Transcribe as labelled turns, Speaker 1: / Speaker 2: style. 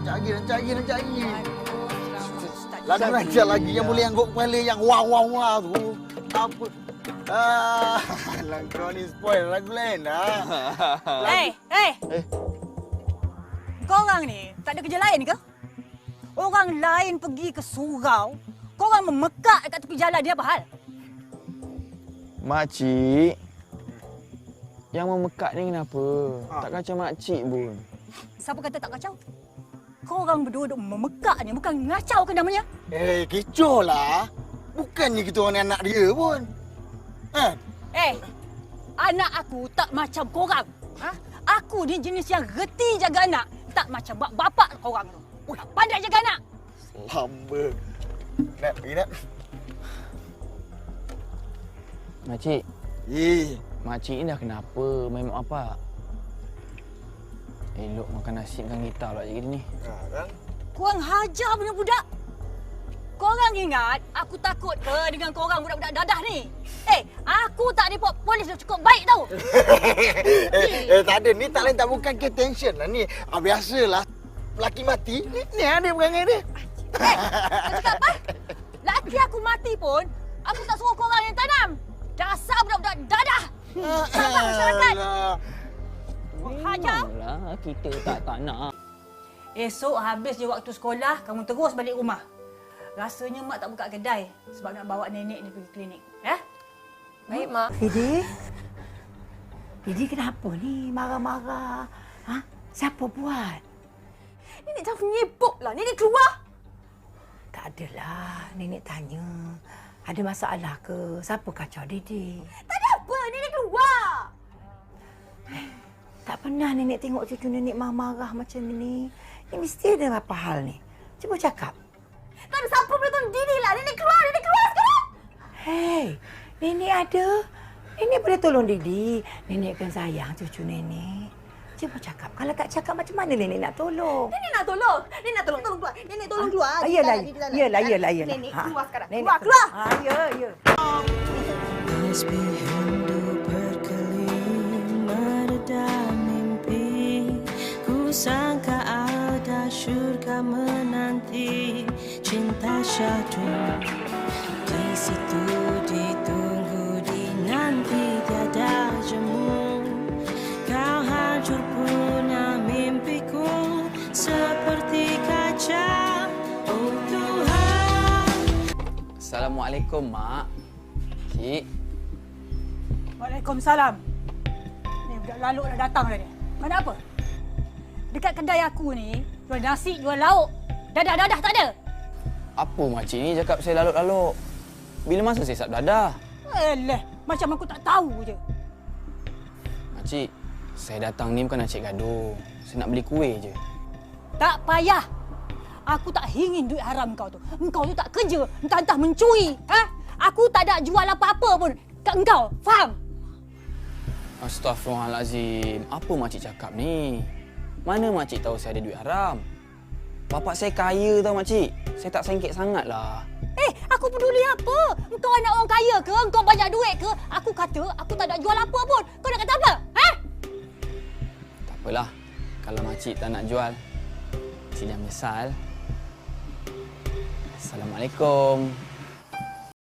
Speaker 1: Rancak lagi. Lagu rancak lagi yang boleh angguk kepala yang wah tu. Apa? Kau ni spoil lagu lain dah.
Speaker 2: Hey. Kau orang ni tak ada kerja lain ke? Orang lain pergi ke surau, kau orang memekak dekat tepi jalan dia apa hal?
Speaker 3: Makcik, yang memekak ni kenapa? Tak kacau makcik pun.
Speaker 2: Siapa kata tak kacau? Kau orang berdua duk memekak ni, bukan ngacau ke namanya?
Speaker 1: Kecoh lah. Bukannya kita orang ni anak dia pun.
Speaker 2: Anak aku tak macam korang. Aku ni jenis yang reti jaga anak. Tak macam bapak korang tu. Tak pandai jaga anak.
Speaker 1: Lama. Nak pergi nak?
Speaker 3: Makcik. Makcik ni dah kenapa main mak bapak? Elok makan nasi dengan gitar pula jadi ni.
Speaker 2: Korang hajar punya budak. Korang ingat aku takut ke dengan korang budak-budak dadah ni? Aku tak report polis dah cukup baik tau.
Speaker 1: Tak ada. Ni tak lain tak bukan ke tension lah ni. Biasalah. Laki mati. Ni ada perangai dia.
Speaker 2: Kau cakap apa? Laki aku mati pun, aku tak suruh korang yang tanam. Dasar budak-budak dadah. Sabar masyarakat. Hajar.
Speaker 3: Memanglah kita tak nak.
Speaker 2: Esok habis je waktu sekolah, kamu terus balik rumah. Rasanya mak tak buka kedai sebab nak bawa nenek ni pergi klinik.
Speaker 4: Baik, Mak.
Speaker 5: Didi kenapa ni marah-marah? Siapa buat?
Speaker 4: Nenek jangan menyibuk lah. Nenek keluar.
Speaker 5: Tak adalah. Nenek tanya. Ada masalah ke? Siapa kacau Didi?
Speaker 4: Tak ada apa. Nenek keluar.
Speaker 5: Tak pernah nenek tengok cucu nenek marah-marah macam ni. Ini mesti ada apa hal ni. Cuba cakap.
Speaker 4: Tak ada siapa boleh tolong Didi lah. Nenek keluar sekarang.
Speaker 5: Hei, nenek ada. Nenek boleh tolong Didi. Nenek akan sayang cucu nenek. Cuba cakap. Kalau tak cakap macam mana nenek nak tolong?
Speaker 4: Nenek nak tolong. Nenek nak tolong keluar. Nenek tolong keluar.
Speaker 5: Yelah.
Speaker 4: Nenek keluar sekarang.
Speaker 5: Nenek
Speaker 4: Keluar.
Speaker 5: Ya.
Speaker 6: Meski hidup berkelima redam mimpi, ku sangka ada syurga menanti cinta syahdu. Di situ ditunggu dinanti tiada jemu. Kau hancur punah mimpiku seperti kaca. Oh Tuhan.
Speaker 3: Assalamualaikum, Mak. Cik.
Speaker 2: Waalaikumsalam. Ni budak lalu dah datang dah ni. Mana apa? Dekat kedai aku ni, jual nasi, jual lauk. Dadah-dadah tak ada.
Speaker 3: Apa makcik ni cakap saya laluk-laluk? Bila masa saya sap dadah?
Speaker 2: Macam aku tak tahu je.
Speaker 3: Makcik, saya datang ni bukan nak cek gaduh. Saya nak beli kuih je.
Speaker 2: Tak payah. Aku tak ingin duit haram kau tu. Engkau tu tak kerja, entah-entah mencuri. Aku tak ada jual apa-apa pun kat engkau. Faham?
Speaker 3: Astaghfirullahalazim. Apa makcik cakap ni? Mana makcik tahu saya ada duit haram? Bapak saya kaya tau makcik. Saya tak sengkit sangatlah.
Speaker 2: Aku peduli apa? Engkau anak orang kaya ke? Engkau banyak duit ke? Aku kata aku tak ada jual apa pun. Kau nak kata apa?
Speaker 3: Tak apalah. Kalau makcik tak nak jual, makcik jangan menyesal. Assalamualaikum.